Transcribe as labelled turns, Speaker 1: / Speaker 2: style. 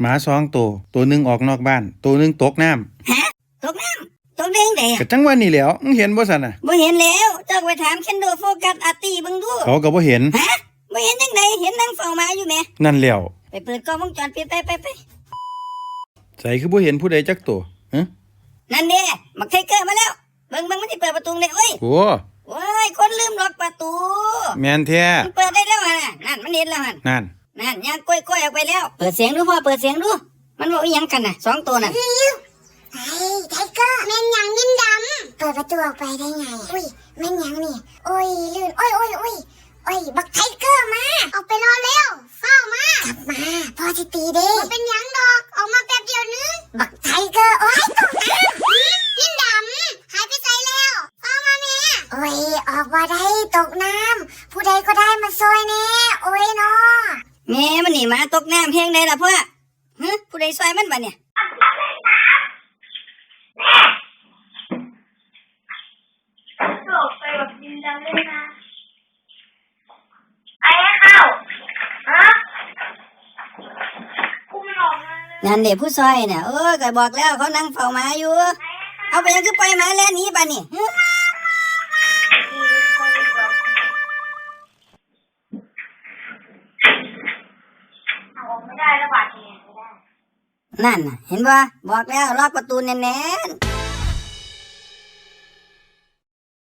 Speaker 1: หมา2 ตัวหนึ่งออกนอกบ้านตัวหนึ่งตกน้ำ
Speaker 2: ฮะตกน้ำตกได้จังได๋
Speaker 1: ก็จังว่านี่แหล้วมึงเห็นบ่ซั่นน่ะ
Speaker 2: บ่เห็นแล้วเจ้าไปถามเคนโดโฟกัสอาร์ตี้เบิ่งดู
Speaker 1: เขาก็บ่เห็น
Speaker 2: ฮะบ่เห็นจังได๋เห็นนั่งเฝ้าหมาอยู่แหม
Speaker 1: นั่นแล้ว
Speaker 2: ไปเปิดกล้องวงจรปิดไป
Speaker 1: ใส่คือบ่เห็นผู้ใดจักตัวฮะ
Speaker 2: นั่นเด้บักไทเกอร์มาแล้วเบิ่งมันสิเปิดประตูได้โอ้ย
Speaker 1: โอ้
Speaker 2: โอ้ยคนลืมล็อกประตู
Speaker 1: แม่นแท้
Speaker 2: มันเปิดได้แล้วหั่นน่ะนั่นมันเห็นแล้วหั่น
Speaker 1: นั่น
Speaker 2: ย่างก้อยๆออกไปแล้วเปิดเสียงดูพ่อเปิดเสียงดูมันบอกอีหยังกันน่ะ2 ตัวน่ะ
Speaker 3: ไทเกอร์แม่นยังดินดำเปิดประตูออกไปได้ไงอุ้ยแม่นยังนี่โอ้ยลื่นโอ้ยบักไทเกอร์มาออกไปรอเร็วเฝ้ามากลับมาพอสิตีเด้มันเป็นยังดอกออกมาแป๊บเดียวนึงบักไทเกอร์โอ้ยตกน้ำดินดำหายไปไสแล้วเฝ้ามาแม่โอ้ยออกมาได้ตกน้ำผู้ใดก็ได้มาซอยแน่โอ้ยเนาะ
Speaker 2: แม่มันนี่มาตกน้ำเพียงใดล่ะพ่อฮะผู้ใดซอยมันบัดเนี่ย
Speaker 3: ไปแบบดินดำเลยนะไอ้เข้าฮะกูไม่ออกมาเลย
Speaker 2: นั่นเด็กผู้ซอยเนี่ยก็บอกแล้วเขานั่งเฝ้าหมาอยู่เอาไปยังคือปล่อยหมาแล้วหนีบัดนี่
Speaker 3: ออกไม่ได้แล้วบาดเนี่ยไม่ได้
Speaker 2: นั่นน่ะเห็นบ่บอกแล้วล็อกประตูแน่นๆ